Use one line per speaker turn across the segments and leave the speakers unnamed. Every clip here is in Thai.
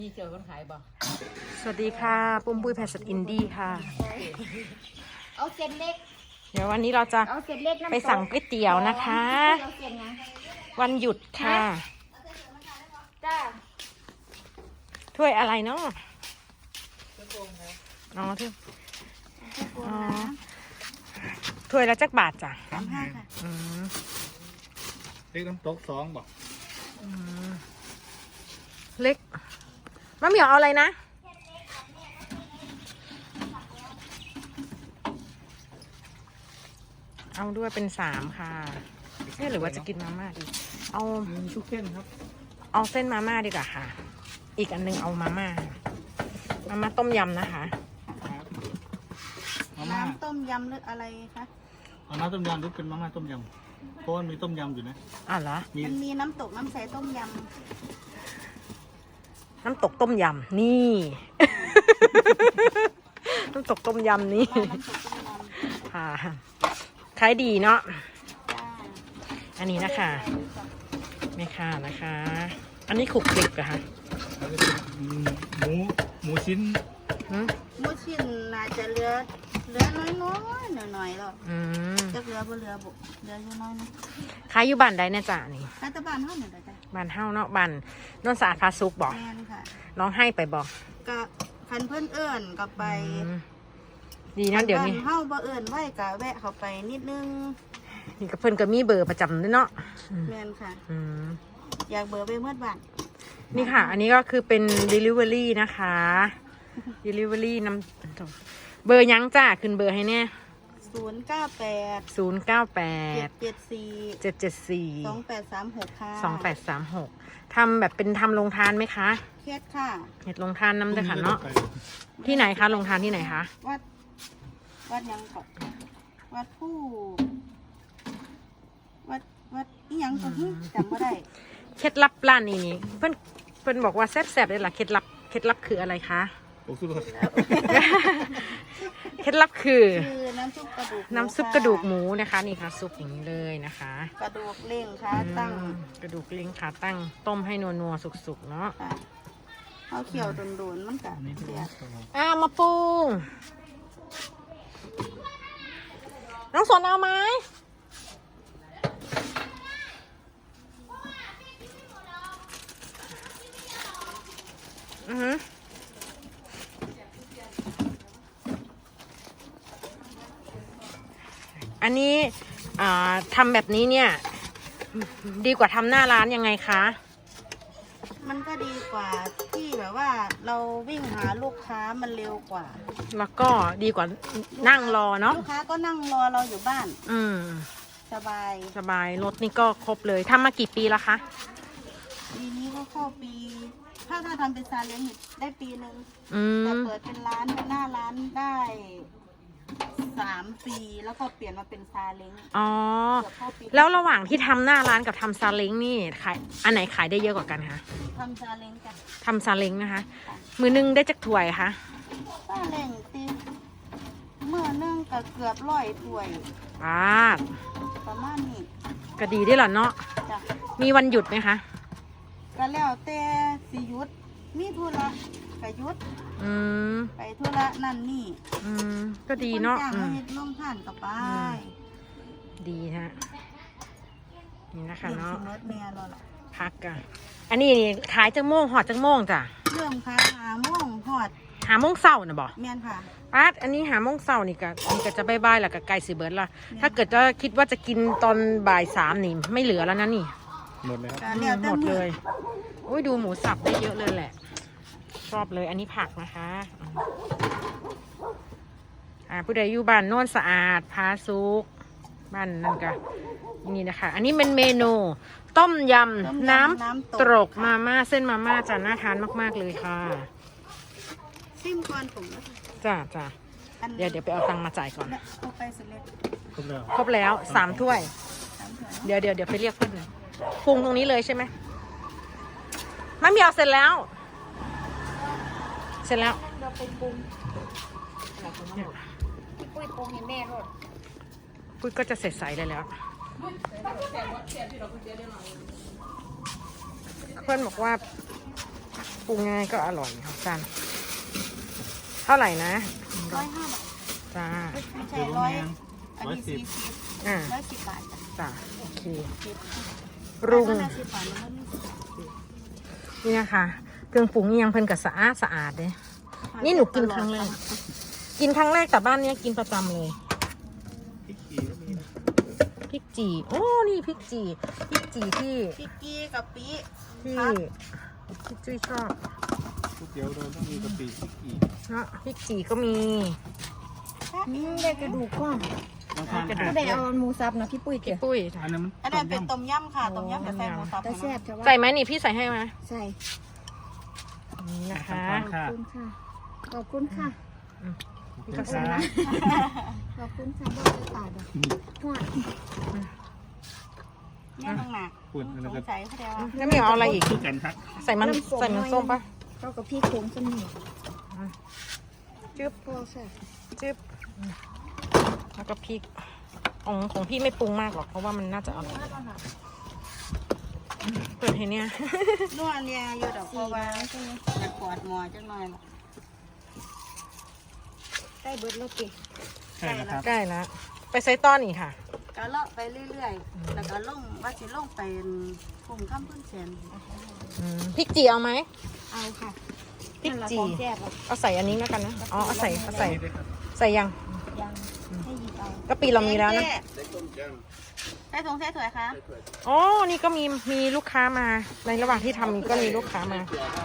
มีเจอคนขายบ่
สวัสดีค่ะปุ้มปุ้ยแพสอินดี้ค่ะ
เอาเส้นเล็ก
เดี๋ยววันนี้เราจะ
เอาเส้นเล็กน้ำตก
ไปสั่งก๋วยเตี๋ยวนะคะ
เอาเส้นนะ
วันหยุดค่ะ
จ้า
ถ้วยอะไรเนาะอ๋ออ๋อถ้วยละจักบาทจ้ะ
35 ค่ะ
อืม
เล็กน้ำตก2บอก
เล็กมะเหมียวเอาอะไรนะเอาด้วยเป็น3ค่ะหรือว่าจะกินมาม่าดีเอา
มีทุกเส้นครับ
เอาเส้นมาม่าดีกว่าค่ะ อีกอันนึงเอามาม่าต้มยำนะคะ
ครับมาม่า
น้ำต้มยำหรืออะไรคะ
เอาน้ำต้มยำหรือเป็นมาม่าต้มยำเพราะว่ามีต้มยำอยู่นะ
อ่ะเหรอ
มันมีน้ำตกน้ำใสต้มย
น้ำตกต้มยำนี่ น้ำตกต้มยำนี่
ำน้ำตกต้มยำ
ค่ะขายดีเนาะ
จ้า
อันนี้นะคะไม่ค่ะนะคะ อันนี้ขลุกคลิกอะค่ะ
แล้วก็เป็นหมูชิ้น
หืม
หมูชิ้นน่าจะเหลือน้อยๆหน่อยๆหรอก
อืม
จะเหลือบ่เหลือบุเหลืออยู่น้อยนะ
ขายอยู่บ้านใดเนี่ยจ้ะนี่
รัฐบาลเท่าไหร่ละจ้ะ
บ้านเฮ้าเนาะบ้านโนนสะอาดพาซุกบอก
แม่นค่ะ
ร้องให้ไปบอก
ก็คันเพื่อนเอิ้นก็ไป
อืมดีนะเดี๋ยวนี้
คับ้าเฮาบ่เอิ้นไว้ก็แวะเข้าไปนิดนึง
นี่กับเพื่อนก็มีเบอร์ประจำด้วยเนาะ
แม่นค่ะ
อืม
อยากเบอร์ไปเมื่อบ้าน
นี่ค่ะ อันนี้ก็คือเป็น delivery นะคะ delivery นำเบอร์ยังจ้าขึ้นเบอร์ให้เนี่ย
098
098
774
774
2836ค่ะ
2836ทำแบบเป็นทำโรงทานไหมคะ
เคสค่ะ
เห็ดโรงทานน้ำด้วยค่ะเนาะที่ไหนคะโรงทานที่ไหนคะ
วัดยังก่อนวัดผู้วัดอีหยังก่อนจำไม่ได้
เคล็ดลับร้านนี้นี่เพิ่นบอกว่าแซ่บๆเลยล่ะเคล็ดลับคืออะไรคะ
โอ้สุดยอด
เคล็ดลับคือ
คือน้ำซุปกระดูก
น้ำซุปกระดูกหมูนะคะนี่ค่ะซุปอย่างนี้เลยนะคะ
กระดูกเล่งค่ะตั้ง
กระดูกเล้งขาตั้งต้มให้นัวๆสุกๆเนาะ
ค่ะเอาเขียวโดนๆมันกะ
อันนี้เป็น
เสีย
มาปรุงน้องสนเอาไหมอือหืออันนี้ทำแบบนี้เนี่ย ดีกว่าทำหน้าร้านยังไงคะ
มันก็ดีกว่าที่แบบว่าเราวิ่งหาลูกค้ามันเร็วกว่า
แล้วก็ดีกว่านั่งรอเนาะ
ลูกค้าก็นั่งรอเราอยู่บ้าน
อืม
สบาย
สบายรถนี่ก็ครบเลยทำมากี่ปีแล้วคะ
ปีนี้ก็เข้าปี ถ้าทำเป็นซาเล้งอยู่ได้ปีหนึ่ง
อื
แต่
ม
เปิดเป็นร้านเป็นหน้าร้านได้3 ปีแล้วก็เปลี่ยนมาเป็นซาเล้ง
อ๋อ
เกือบเข้าปี
แล้วระหว่างที่ทำหน้าร้านกับทำซาเล้งนี่ขายอันไหนขายได้เยอะกว่ากันคะ
ทำซาเล้งจ้ะ
ทำซาเล้งนะคะ มือนึงได้จักถ้วยคะ
ซาเล้งตีเมื่อนึ่งก็เกือบ100 ถ้วย
ป้าด
ประมาณนี้
ก็ดีได้หรอเนาะ
จ้ะ
มีวันหยุดไหมคะ
ก็แล้วแต่สิหยุดมีธุระก็หยุด
อืม
ไปธุระนั่นนี่
อืมก็ดีเนาะ
คจ้าง
อื
มาม เฮ็ดร่วมท่านกับไป
ดีฮะนี่นะคะ
เด็ก
เนาะ
สิเมิดแม่เราล่ะ
พักกันอันนี้นี่ขายจังโมงหอดจังโมงจ้ะ
เริ่มขาย5 โมงฮอด
หาโมงเศร้านะบอก
แม่นค่ะ
ป้าดอันนี้หาโมงเศร้านี่ก็จะบายๆแหละกับไก่สีเบิร์ดละถ้าเกิดจะคิดว่าจะกินตอนบ่าย3นี่ไม่เหลือแล้วนะนี่
หมดเลยครับ
ก็แล้วแต่
หมด
มื้
เล
อย
อุ้ยดูหมูสับได้เยอะเลยแหละ ชอบเลยอันนี้ผักนะคะผู้ใดอยู่บ้านโน่นสะอาดพาซุกบ้านนั่นก็นี่นะคะ อันนี้เป็นเมนู ต้มยำน้ำตกมาม่าเส้นมาม่าจ้าน่าทานมากๆเลยค่ะ
ซิมก่อนผมนะคะ
จ้า
อัน
เดี๋ยวไปเอาตังค์มาจ่ายก่อน
เนี่ยเอาไปเสร็จแล้ว
ครบแล้ว
ครบแล้ว3 ถ้วย
3 ถ้วย
เดี๋ยวไปเรียกเพื่อนหน่อยปรุงตรงนี้เลยใช่ไหมมะเหมียวเสร็จแล้ว เสร็จแล้ว
เราไปปรุงพี่ปุ้ยปรุงให้แม่รส
ปุ้ยก็จะเสร็จใสเลยแล้ว เพื่อนบอกว่าปรุงง่ายก็อร่อยค่ะจันเท่าไหร่นะ
105 บาท
จ้า
ไม่ใช่
คือ
ร้อย
แมง
อันนี้40
อ่า
110 บาทจ้ะ
จ้าโอเค
10
ปรุง
แล้วก็10 บาทแล้วมันไม่
นี่นะคะเครื่องปรุงนี่ยังเพิ่นกับสะอาดเลยนี่หนูกินครั้งแรกแต่บ้านเนี้ยกินประจำเลย
พริกขี้ก็มีนะ
พริกจีโอ้นี่พริกจีที่
พริกกี้กับปี
ที่จุ้ยชอบ
ก๋วยเตี๋ยวเราต้องมีกะปิพริกขี้
เนาะพริกจีก็มี
ได้กระดูกก้อน
บางทาน
กระดู
ขาด
ได้เอาหมูสับนะพี่ปุ้ย
พี่
เจ้ะ
ปุ้ย
อันนั้นมัน
อันนั้นเป็นต้มยำค่ะต้มยำกับใส่หมูสับ
แต่แซ่บแต่ว่า
ใส่ไหมนี่พี่ใส่ให้ไหม
ใส่
นี่นะคะ
ทาน
ข
ค่ะ
อบคุณค่ะ ขอบคุณค่ะ
พี่ก็ใส่
ค่ะ
นะ
ขอบคุณค่ะบ่ได้ตาดอกหัว
เนี่ยน้องหนัก
ปุ่นอัน
ส
นั้น
ง
ก็
สัยเขาเรียกว่า
แล้วมีเอาอะไรอีก
คือกันครับ
ใส่มันส้มปะ
เข้ากับพี่โค้งสนิท
จึ๊บ
พอค่ะ
จึ๊บแล้วก็พริกของพี่ไม่ปรุงมากหรอกเพราะว่ามันน่าจะอร่อยเปิดให้เนี่ย
นวดเนี่ยอยู่ดอกเพราะว่าอยากปวดหมอจังหน่อยล่ะ
ได้เบิร์ดแล้วติ
ใช่นะครับ
ใกล้แล้วไปใส่ต้อนอีกค่ะ
ก็เลาะไปเรื่อยๆแล้วก็ลงว่าสิลงไปกลุ่มข้ามพื้นแสน
พริกจีเอาไหม
เอาค่ะ
พริก
นั่นล่ะ
จี
ของแซ่บอ่ะ
เอาใส่อันนี้แล้วกันนะอ๋อเอาใส่
นี่ด้วยครับ
ใส่ยัง
ยังให้หยิบเอา
กะปิเรามีแล้วนะ
ใส่ถุงใส่ถ้วยคะ
อ๋อนี่ก็มีลูกค้ามาในระหว่างที่ทำก็มีลูกค้ามา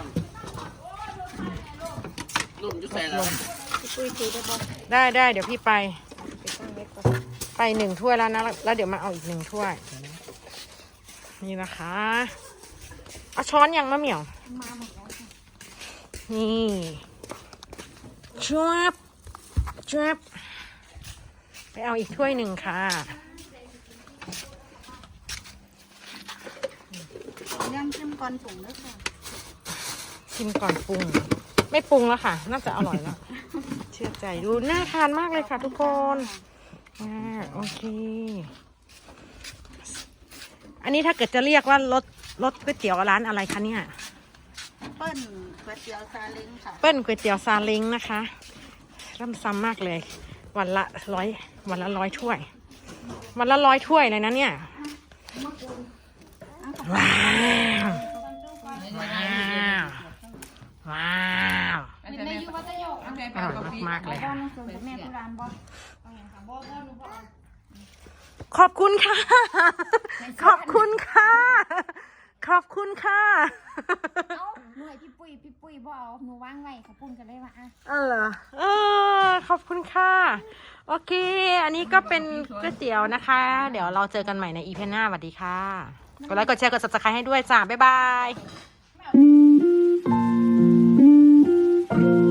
พี่ปุ้ยถือได้บ่
ได้เดี๋ยวพี่ไป
ไปตั้งไว้ก่อน
ไป1 ถ้วยแล้วนะแล้วเดี๋ยวมาเอาอีก1 ถ้วย นี่นะคะเอาช้อนยังมะเหมี่ยว
มาหมดแล้วค่ะ
นี่จวบไปเอาอีกถ้วย1ค่ะ
ย่างจิ้มก่อนถุงด้วยค่ะ
ชิมก่อนปรุง ไม่ปรุงแล้วค่ะ น่าจะอร่อยแล้ว เชื่อใจดูน่าทานมากเลยค่ะทุกคนโอเค อันนี้ถ้าเกิดจะเรียกว่ารสก๋วยเตี๋ยวร้านอะไรคะเนี่ย
เปิ้ลก๋วยเตี๋ยวซาเล้งค่ะ
เปิ้ลก๋วยเตี๋ยวซาเล้งนะคะร่ำซ้ำมากเลย วันละ100ถ้วย วันละ100ถ้วยเลยนะเนี่ย ว้าวว้าวอร่อยมากๆเลยค่ะ
แม่ที่ร้านบ่
ขอบคุณค่ะ ขอบคุณค่ะ ขอบคุณค่ะ
เอ้าหน่วยพี่ปุ้ยบ่เอาหนูวางไว้เขาปุ้นกันเลยว่าอ่ะ
เหรอขอบคุณค่ะ โอเค อันนี้ก็เป็นก๋วยเตี๋ยวนะคะ เดี๋ยวเราเจอกันใหม่ในอีพีหน้าสวัสดีค่ะ กดไลค์กดแชร์กด subscribe ให้ด้วยจ้า บ๊ายบาย